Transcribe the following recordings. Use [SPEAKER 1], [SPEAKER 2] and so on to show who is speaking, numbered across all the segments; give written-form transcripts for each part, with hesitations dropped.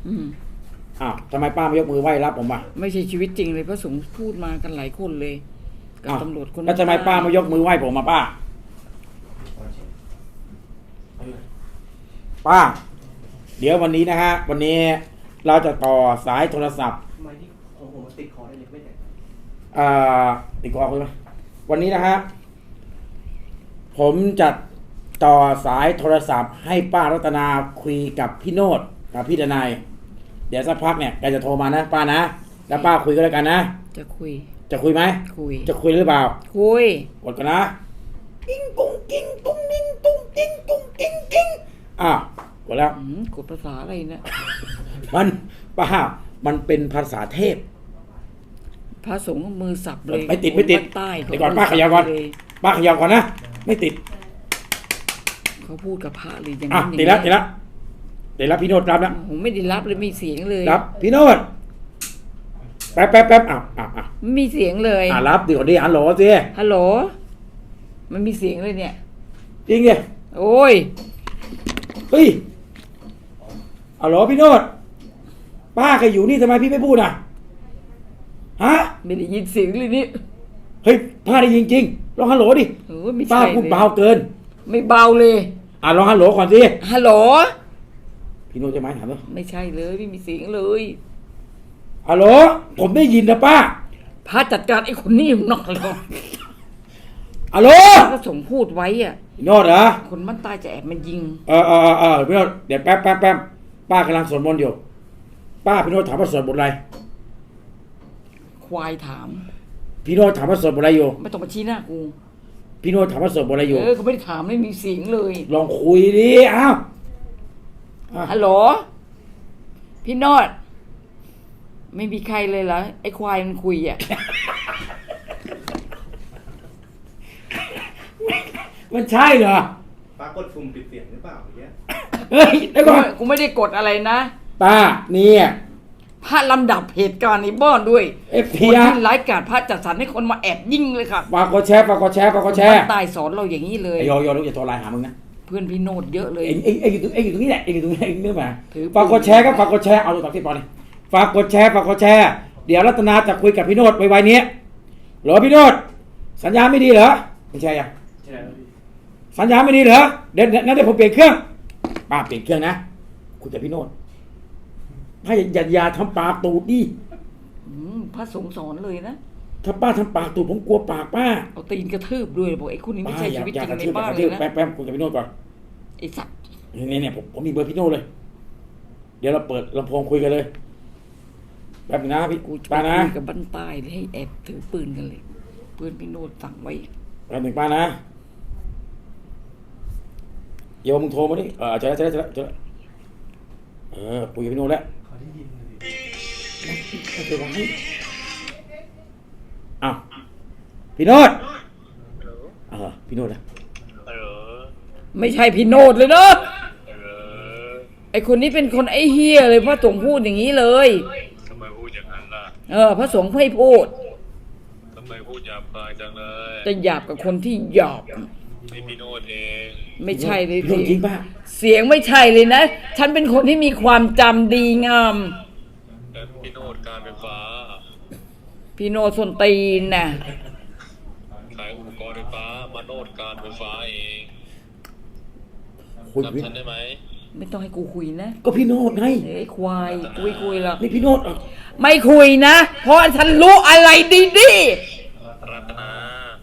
[SPEAKER 1] อ้าวทำไมป้าไม่ยกมือไหว้รับผมอ่ะ
[SPEAKER 2] ไม่ใช่ชีวิตจริงเลยพระสงฆ์พูดมากันหลายคนเลยกับตำรวจคน
[SPEAKER 1] แล้วทำไมป้าไม่ยกมือไหว้ผมมาป้าป้าเดี๋ยววันนี้นะฮะวันนี้เราจะต่อสายโทรศัพท์
[SPEAKER 3] ทำไมที่ของผมติดคอได้เลยไม่ได้
[SPEAKER 1] ติดคอคุณไหมวันนี้นะฮะผมจะต่อสายโทรศัพท์ให้ป้ารัตนาคุยกับพี่โนดกับพี่ดนายเดี๋ยวสักพักเนี่ยแกจะโทรมานะป้านะแล้วป้าคุยก็แล้วกันนะ
[SPEAKER 2] จะคุย
[SPEAKER 1] ไหม
[SPEAKER 2] คุย
[SPEAKER 1] จะคุยหรือเปล่า
[SPEAKER 2] คุย
[SPEAKER 1] กดกันนะกิ้งกุ้งกิ้งตุ้งนิ่งตุ้งกิ้งตุ้งกิ้งกิ้งกดแล้ว
[SPEAKER 2] กดภาษาอะไรเนี่ย
[SPEAKER 1] มันป้ามันเป็นภาษาเทพ
[SPEAKER 2] พระสงฆ์มือสับเลย
[SPEAKER 1] ไม่ติดเดี๋ยวก่อนป้าขยับก่อนนะไม่ติด
[SPEAKER 2] เขาพูดกับพระเลยอย่างนั้น
[SPEAKER 1] ติดแล้วพี่โนดรับแล้ว
[SPEAKER 2] ผมไม่ได้รับเลยมีเสียงเลย
[SPEAKER 1] รับพี่โนดแป๊บ
[SPEAKER 2] ไม่มีเสียงเลย
[SPEAKER 1] รับเดี๋ยวดิฮัลโหลสิ
[SPEAKER 2] ฮัลโหลมันมีเสียงเลยเนี่ย
[SPEAKER 1] จริงดิ
[SPEAKER 2] โอ้ย
[SPEAKER 1] เฮ้ยฮัลโหลพี่โนดป้าแกอยู่นี่ทำไมพี่ไม่พูดอ่ะฮะ
[SPEAKER 2] ไม่ได้ยินเสียงเลยนี่
[SPEAKER 1] เฮ้ยป้าได้ยินจริงลองฮัลโหลดิป้าพูดเบาเกิน
[SPEAKER 2] ไม่เบาเลย
[SPEAKER 1] ลองฮัลโหลก่อนสิ
[SPEAKER 2] ฮัลโหล
[SPEAKER 1] พี่โนดจะไหมถามด้วย
[SPEAKER 2] ไม่ใช่เลยไม่มีเสียงเลย
[SPEAKER 1] ฮัลโหลผมได้ยินนะป้า
[SPEAKER 2] พาจัดการไอ้คนนี้หน่อยเลย
[SPEAKER 1] ฮัลโหล
[SPEAKER 2] ก็ส่งพูดไว้อ่ะ
[SPEAKER 1] พี่โนดเหรอ
[SPEAKER 2] คนมันตายจะแอบมันยิง
[SPEAKER 1] พี่โนดเดี๋ยวแป๊บป้ากำลังสวดมนต์อยู่ป้าพี่โนดถามว่าสวดบทอะไร
[SPEAKER 2] ควายถาม
[SPEAKER 1] พี่โนดถามว่าสวดบทอะไรอยู่
[SPEAKER 2] ไม่ต้องมาชี้หน้ากู
[SPEAKER 1] พี่โนดถามว่าสวดบทอะไรอยู่
[SPEAKER 2] เขาไม่ได้ถามไม่มีเสียงเลย
[SPEAKER 1] ลองคุยดิ
[SPEAKER 2] ฮัลโหลพี่โนดไม่มีใครเลยเหรอไอ้ควายมันคุยอ่ะ
[SPEAKER 1] มันใช่เหรอ
[SPEAKER 3] ป้ากดปุ่มปิดเสียงหรือเปล่าเนี่ย
[SPEAKER 1] เฮ้ยแล้วก่อน
[SPEAKER 2] กูไม่ได้กดอะไรนะ
[SPEAKER 1] ป้าเนี่ย
[SPEAKER 2] พระลำดับเหตุการณ์ในบ้านด้วยคนที่ไร้การพระจัดสรรให้คนมาแอบยิงเลยค่ะ
[SPEAKER 1] ฝากกดแชร์
[SPEAKER 2] ตายสอนเราอย่างนี้เลย
[SPEAKER 1] โยลูกอย่าโทรไลน์หามึงนะ
[SPEAKER 2] เพื่อนพี่โนดเยอะเลย
[SPEAKER 1] เอ็งอยู่ตรงนี้แหละเอ็งอยู่ตรงนี้เอ็งเนื้อมาฝากกดแชร์ครับฝากกดแชร์เอาตัวต่อที่ปอนี่ฝากกดแชร์เดี๋ยวรัตนาจะคุยกับพี่โนดไวๆนี้เหรอพี่โนดสัญญาไม่ดีเหรอไม่ใช่ยังสัญญาไม่ดีเหรอเดี๋ยวผมเปลี่ยนเครื่องป้าเปลี่ยนเครื่องนะคุยกับพี่โนดถ้าอย่าทำปากตูดดิ
[SPEAKER 2] พระสงฆ์สอนเลยนะ
[SPEAKER 1] ถ้าป้าทำปากตูดผมกลัวปากป้า
[SPEAKER 2] เอาตีนกระทืบด้วยบอกไอ้คุณนี่ไม่ใช่ชีวิตจริงในบ้านเลยนะ
[SPEAKER 1] แป๊บคุยกับพี่โนดก่อน
[SPEAKER 2] ไอ้สัตว์
[SPEAKER 1] เนี่ยผมมีเบอร์พี่โนดเลยเดี๋ยวเราเปิดลำโพงคุยกันเลยแป๊บนะพี่ป้านะ
[SPEAKER 2] กับบ้านใต้ให้แอบถือปืนกันเลยปืนพี่โนดสั่งไว้
[SPEAKER 1] แป๊บหนึ่งป้านะโยมมึงโทรมาดิเจอแล้วคุยกับพี่โนดแล้วพี่โนดพี่โนดนะ
[SPEAKER 2] ไม่ใช่พี่โนดเลยเนาะไอคนนี้เป็นคนไอเฮียเลยพระสงฆ์พูดอย่างนี้เลย
[SPEAKER 4] ทำไมพูดอย่างนั้นล่
[SPEAKER 2] ะพระสงฆ์ไม่พูด
[SPEAKER 4] ทำไมพูดหยาบคายจังเลย
[SPEAKER 2] จะหยาบกับคนที่หยาบ
[SPEAKER 4] นี่พี่โนดเอง
[SPEAKER 2] ไม่ใช่เลย
[SPEAKER 1] จริงป่ะ
[SPEAKER 2] เสียงไม่ใช่เลยนะฉันเป็นคนที่มีความจำดีงาม
[SPEAKER 4] พี่โนดการไฟฟ้า
[SPEAKER 2] พี่โนดส้นตีนน่ะ
[SPEAKER 4] ขายอุปกรณ์ไฟฟ้ามาโนดการไฟฟ้าเองจำฉันได้ไหม
[SPEAKER 2] ไม่ต้องให้กูคุยนะ
[SPEAKER 1] ก็พี่โนดไง
[SPEAKER 2] ไอ้ควายคุยหรอก
[SPEAKER 1] นี่พี่โนด
[SPEAKER 2] ไม่คุยนะเพราะฉันรู้อะไรดี
[SPEAKER 4] รัตนา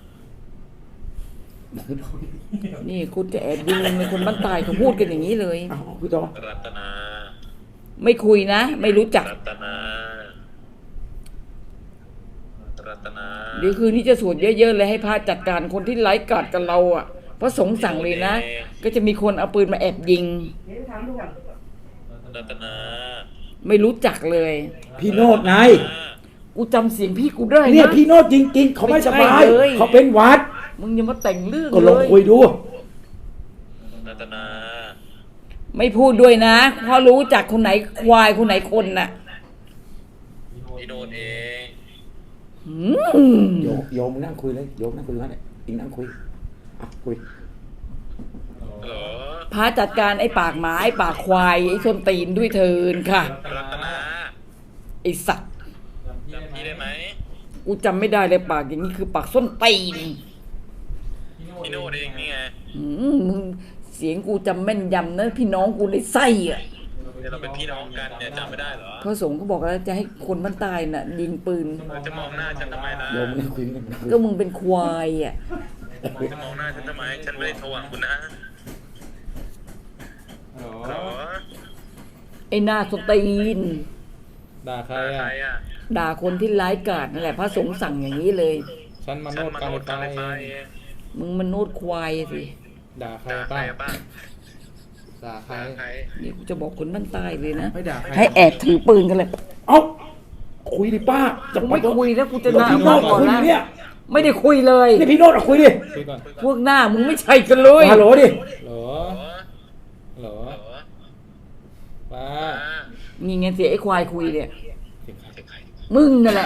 [SPEAKER 2] นี่คุณจะแอบยิงเป็นคนบ้านตายเขาพูดกันอย่างนี้เลย
[SPEAKER 1] คุยต่อ
[SPEAKER 4] รัตนา
[SPEAKER 2] ไม่คุยนะไม่รู้จัก
[SPEAKER 4] รัตนา
[SPEAKER 2] เดี๋ยวคืนนี้จะสวดเยอะๆเลยให้พระจัดการคนที่ไร้กาจกับเราอ่ะพระสงฆ์สั่งเลยนะก็จะมีคนเอาปืนมาแอบยิง
[SPEAKER 4] รัตนา
[SPEAKER 2] ไม่รู้จักเลย
[SPEAKER 1] พี่โนดไง
[SPEAKER 2] กูจำเสียงพี่กูได้นะ
[SPEAKER 1] เนี่ยพี่โนดจริงๆเขาไม่สบายเขาเป็นหวัด
[SPEAKER 2] มึงอย่ามาแต่งเรื่อง
[SPEAKER 1] ก็ลองคุยดู
[SPEAKER 4] รัตนา
[SPEAKER 2] ไม่พูดด้วยนะเพราะรู้จักคนไหนควายคนไหนคนน่ะ
[SPEAKER 4] พี่โนดเอง
[SPEAKER 1] โยมนั่งคุยเลยโยมนั่งคุยกันเลยอิงนั่งคุยคุย
[SPEAKER 4] เหรอ
[SPEAKER 2] พระจัดการไอ้ปากหมาไอ้ปากควายไอ้ส้นตีนด้วยเถินค่ะ
[SPEAKER 4] รัตนา
[SPEAKER 2] ไอ้สัตว์
[SPEAKER 4] จำพี่ได้ไหม
[SPEAKER 2] กูจำไม่ได้เลยปากอย่างนี้คือปากส้นตีน
[SPEAKER 4] พี่โน้ตเองนี่ไง
[SPEAKER 2] มึงเสียงกูจำแม่นยำนะพี่น้องกูในไส้อะ
[SPEAKER 4] เดี๋ยวเราเป็นพี่น้องกันเนี่ยจำไม่ได้เหรอ
[SPEAKER 2] พระสงฆ์ก็บอกแล้วจะให้คนมันตายน่ะ ยิงปืน
[SPEAKER 4] จะมองหน้าฉันทำไมล่ะ
[SPEAKER 1] โยมไม่คุยกัน
[SPEAKER 2] ก็มึงเป็นควายอ่ะ
[SPEAKER 4] จะมองหน้าฉันทำไมฉันไม่ได้โทรหาคุณนะเหรอ
[SPEAKER 2] ไอ้หน้าส้นตีน
[SPEAKER 5] ด่าใคร
[SPEAKER 4] ใคร
[SPEAKER 5] อ่ะ
[SPEAKER 4] อ่ะ
[SPEAKER 2] ด่าคนที่ร้ายกาจนั่นแหละพระสงฆ์สั่งอย่างนี้เลย
[SPEAKER 5] ฉันมาโน
[SPEAKER 4] ฉัน
[SPEAKER 5] ด
[SPEAKER 4] มา
[SPEAKER 5] การ
[SPEAKER 4] โน
[SPEAKER 5] ไฟ
[SPEAKER 4] ดการไฟ
[SPEAKER 5] ฟ้า
[SPEAKER 4] ฟ้า
[SPEAKER 5] เอ
[SPEAKER 4] เอง ง
[SPEAKER 2] มึงมันโนดควายสิ
[SPEAKER 5] ด่าใคร
[SPEAKER 4] ด่าใคร
[SPEAKER 5] บ้าง
[SPEAKER 4] บ้าง
[SPEAKER 5] ด่าใคร
[SPEAKER 4] ด่าใคร
[SPEAKER 2] นี่กูจะบอกคนมันตายเลยนะ
[SPEAKER 1] ไม่ด่าใคร
[SPEAKER 2] ให้แอบถือปืนกันเลย
[SPEAKER 1] เอ้าคุยดิป้าจะ
[SPEAKER 2] กู
[SPEAKER 1] ไป
[SPEAKER 2] ไม่คุยแล้วกูจะ
[SPEAKER 1] พี่
[SPEAKER 2] ด่า
[SPEAKER 1] โน
[SPEAKER 2] พ่อ
[SPEAKER 1] ด
[SPEAKER 2] ก่อน
[SPEAKER 1] คุย
[SPEAKER 2] นะ
[SPEAKER 1] เนี่ย
[SPEAKER 2] ไม่ได้คุยเลย
[SPEAKER 1] นี่พี่โนดคุยดิ
[SPEAKER 5] คุยก่อน
[SPEAKER 2] พวกหน้ามึงไม่ใช่กันเลย
[SPEAKER 1] ฮัลโหลดิ
[SPEAKER 5] เหรอ
[SPEAKER 4] เหรอ
[SPEAKER 5] เหรอ
[SPEAKER 4] เหรอ
[SPEAKER 5] ป้า
[SPEAKER 2] นี่ไงเสียไอ้ควายคุยเนี่ย
[SPEAKER 5] เสียงใคร
[SPEAKER 4] เสียงใคร
[SPEAKER 2] มึงนั่นแหละ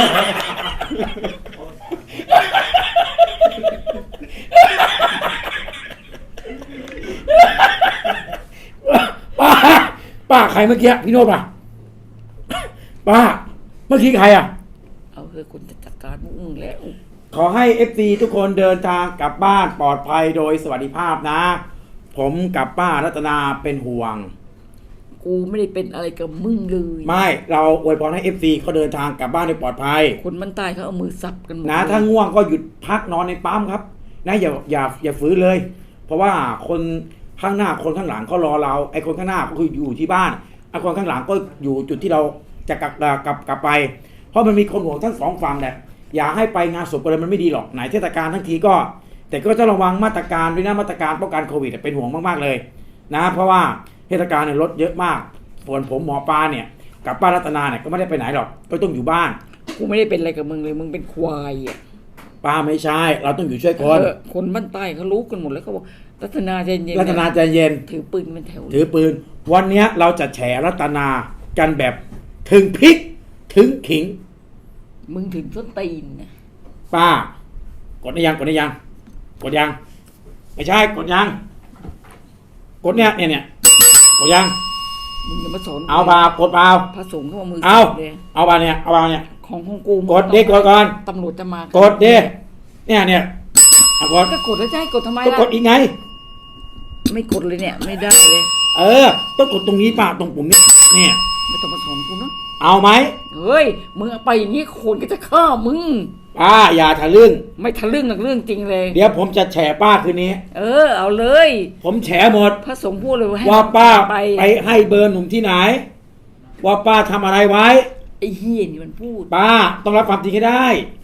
[SPEAKER 1] ป้าป้าใครเมื่อกี้พี่โนดป่ะป้าเมื่อกี้ใครอ่ะ
[SPEAKER 2] เอาเถอะคนจะจัดการพวกมึงแล้ว
[SPEAKER 1] ขอให้ FC ทุกคนเดินทางกลับบ้านปลอดภัยโดยสวัสดิภาพนะ ผมกับป้ารัตนาเป็นห่วง
[SPEAKER 2] กูไม่ได้เป็นอะไรกับมึงเลย
[SPEAKER 1] ไม่เราอวยพรให้ FC เขาเดินทางกลับบ้านโดยปลอดภัย
[SPEAKER 2] คนมันตายเขาเอามือสับกันหมด
[SPEAKER 1] นะ
[SPEAKER 2] เลย
[SPEAKER 1] ถ้าง่วงก็หยุดพักนอนในปั๊มครับนะอย่าฝืนเลย เพราะว่าคนข้างหน้าคนข้างหลังเขารอเราไอ้คนข้างหน้าก็คืออยู่ที่บ้านไอ้คนข้างหลังก็อยู่จุดที่เราจะกลับไป เพราะมันมีคนห่วงทั้งสองฝั่งแหละอย่าให้ไปงานศพอะไรมันไม่ดีหรอกไหนเทศกาลทั้งทีก็ แต่ก็จะระวังมาตรการด้วยนะมาตรการป้องกันโควิดเป็นห่วงมากๆเลยนะเพราะว่าเทศกาลเนี่ยรถเยอะมากส่วนผมหมอปลาเนี่ยกับป้ารัตนาเนี่ยก็ไม่ได้ไปไหนหรอกก็ต้องอยู่บ้าน
[SPEAKER 2] กูไม่ได้เป็นอะไรกับมึงเลยมึงเป็นควายอ่ะ
[SPEAKER 1] ป้าไม่ใช่เราต้องอยู่ช่วยคน
[SPEAKER 2] คนบ้านใต้เขารู้กันหมดแล้วเขาบอกรัตนาใจเย็นๆ
[SPEAKER 1] รัตนาใจเย็น
[SPEAKER 2] ถือปืนเป็นแถว
[SPEAKER 1] ถือปืน วันเนี้ยเราจะแฉรัตนากันแบบถึงพริกถึงขิง
[SPEAKER 2] มึงถึงส้นตีนนะ
[SPEAKER 1] ป้ากดได้ยังกดได้ยังกดยังไม่ใช่กดยังกดเนี่ยกดยัง
[SPEAKER 2] มึงอย่ามาสอน
[SPEAKER 1] เอาเปล่ากดเปล่า
[SPEAKER 2] พระสงฆ์เขาเอามือ
[SPEAKER 1] เอา
[SPEAKER 2] สับเลย
[SPEAKER 1] เอาเปล่าเนี่ยเอาเปล่าเนี่ย
[SPEAKER 2] ของกู
[SPEAKER 1] กดดิกดก่อน
[SPEAKER 2] ตำรวจจะมาก
[SPEAKER 1] ดดิเนี่ยเอากด
[SPEAKER 2] ก็กดแล้วจะให้กดทำไม
[SPEAKER 1] ก็
[SPEAKER 2] ล่ะ
[SPEAKER 1] กดอีกไง
[SPEAKER 2] ไม่กดเลยเนี่ยไม่ได้เลย
[SPEAKER 1] ต้องกดตรงนี้ป้าตรงปุ่มนี้เนี่ย
[SPEAKER 2] ไม่ต้องมาสอนกูนะ
[SPEAKER 1] เอาไหม
[SPEAKER 2] เฮ้ยมึงเอาไปอย่างนี้คนก็จะฆ่ามึง
[SPEAKER 1] ป้าอย่าทะลึ่ง
[SPEAKER 2] ไม่ทะลึ่งหรอกเรื่องจริงเลย
[SPEAKER 1] เดี๋ยวผมจะแฉป้าคืนนี้
[SPEAKER 2] เอาเลย
[SPEAKER 1] ผมแฉหมด
[SPEAKER 2] พระสงฆ์พูดเลยให้
[SPEAKER 1] ว่าป้า
[SPEAKER 2] ไป
[SPEAKER 1] ไปให้เบอร์หนุ่มที่ไหน ว่าป้าทำอะไรไว้
[SPEAKER 2] ไอ้เฮียนี่มันพูด
[SPEAKER 1] ป้าต้องรับความจริงให้ได้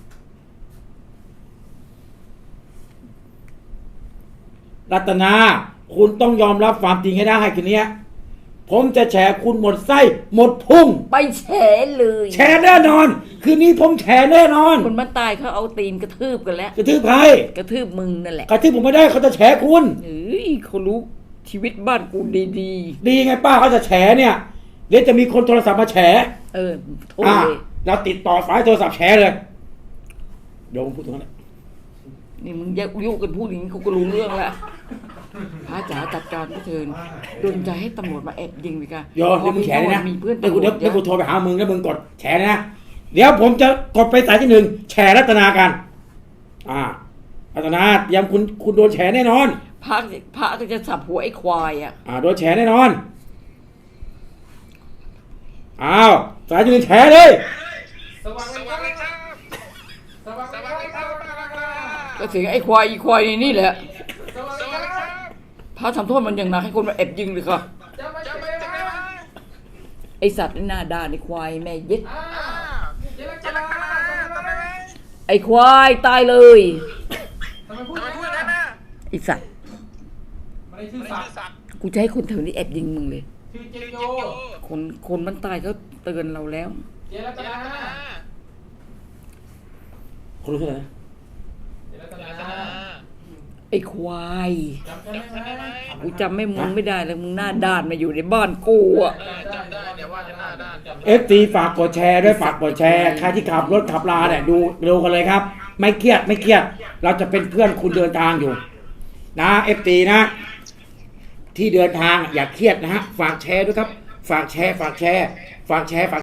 [SPEAKER 1] รัตนา คุณต้องยอมรับความจริงให้ได้คืนนี้ผมจะแฉคุณหมดไส้หมดพุ่ง
[SPEAKER 2] ไปแฉเลย
[SPEAKER 1] แฉแน่นอน คืนนี้ผมแฉแน่นอน
[SPEAKER 2] คนมันตายเขาเอาตีนกระทืบกันแล้ว
[SPEAKER 1] กระทืบใคร
[SPEAKER 2] กระทืบมึงนั่นแหละ
[SPEAKER 1] กระทืบผมไม่ได้เขาจะแฉคุณ
[SPEAKER 2] เฮ้ยเขารู้ชีวิตบ้านกูดี
[SPEAKER 1] ดีไงป้าเขาจะแฉเนี่ยเดี๋ยวจะมีคนโทรศัพท์มาแฉ
[SPEAKER 2] โทษเลย
[SPEAKER 1] เราติดต่อสายโทรศัพท์แฉเลยโยมพูดตรงนั้นแหละ
[SPEAKER 2] นี่มึงยุกันพูดอย่างนี้เขาก็รู้เรื่องแล้วพระจ๋าจัดการก็เชิญโดนใจให้ตำรวจมาแอบยิงไปกัน
[SPEAKER 1] โยมเดี๋ยวมึงแฉเลยนะ
[SPEAKER 2] มีเพื่อน
[SPEAKER 1] เดี๋ยวกู
[SPEAKER 2] ตำรวจ
[SPEAKER 1] เดี๋ยวกูโทรไปหามึงแล้วมึงกดแฉนะ เดี๋ยวผมจะกดไปสายที่หนึ่งแฉรัตนากันรัตนาเตรียมคุณโดนแฉแน่นอน
[SPEAKER 2] พระก็จะสับหัวไอ้ควายอ่ะ
[SPEAKER 1] โดนแฉแน่นอนอ้าวสายที่หนึ่งแฉเลย
[SPEAKER 4] สวัสดีครับสวัสดีครับ
[SPEAKER 2] ก็เสียงไอ้ควายอีควายนี่แหละ
[SPEAKER 4] สวัสดีครับ
[SPEAKER 2] พระทำโทษมันอย่างหนักให้คนมาแอบยิงเลยค่ะ
[SPEAKER 4] จะไปไหน
[SPEAKER 2] ไอสัตว์นี่หน้าด่าไอ้ควายแม่เย็ด
[SPEAKER 4] จะไปไหน
[SPEAKER 2] ไอ้ควายตายเลย
[SPEAKER 4] ทำไมพูดอย่างนั้นนะ
[SPEAKER 2] ไอสัตว์
[SPEAKER 3] ไม่ได้ชื่อสัตว์
[SPEAKER 2] กูจะให้คนแถวนี้แอบยิงมึงเลย
[SPEAKER 3] ชื่อเจโย
[SPEAKER 2] คนมันตายเขาเตือนเราแล้ว
[SPEAKER 3] เจรัตนา
[SPEAKER 1] คนรู้เท่าไหร่นะ
[SPEAKER 3] เจรัตนา
[SPEAKER 2] ไอ้ควาย
[SPEAKER 3] จำได้ไหม
[SPEAKER 2] กูจำไม่มึงไม่ได้เลยมึงหน้าด้านมาอยู่ในบ้านกูอ่ะ
[SPEAKER 4] จำได้เนี่ยว่าจะหน้าด้าน
[SPEAKER 1] FT ฝากกดแชร์ด้วยฝากกดแชร์ใครที่ขับรถขับลาเนี่ยดูกันเลยครับ ไม่เครียดเราจะเป็นเพื่อนคุณเดินทางอยู่นะ FT นะที่เดินทางอย่าเครียดนะฮะฝากแชร์ด้วยครับฝากแชร์ฝากแชร์ฝากแชร์ฝาก